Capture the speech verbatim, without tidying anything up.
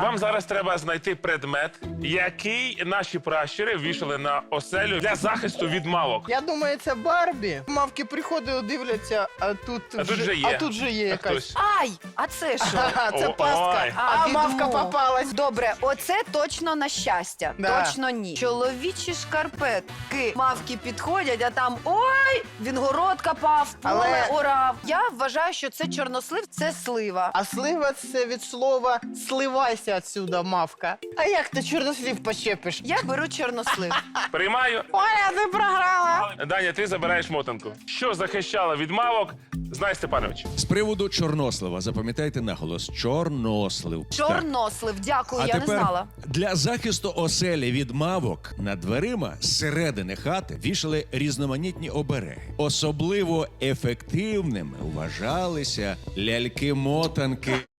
Вам зараз треба знайти предмет, який наші пращури вішали на оселю для захисту від мавок. Я думаю, це Барбі. Мавки приходили, дивляться, а тут, А тут же є. а тут же є А якась. хтось. Ай, а це що? Ага, це О, пастка, ой. а, відмо. мавка попалась. Добре, оце точно на щастя. Да. Точно ні. Чоловічі шкарпетки. Мавки підходять, а там ой, він город копав, поле Але- орав. Я вважаю, що це чорнослив, це слива. А слива це від слова «сливайся отсюда, мавка». А як ти чорнослів почепиш? Я беру чорнослив. Приймаю. Оля, ти програла. Даня, ти забираєш мотанку. Що захищало від мавок, знай Степанович. З приводу чорнослива, запам'ятайте наголос. Чорнослив. Так. Чорнослив, дякую, А я не тепер знала. для захисту оселі від мавок над дверима зсередини хати вішали різноманітні обереги. Особливо ефективними вважалися ляльки-мотанки.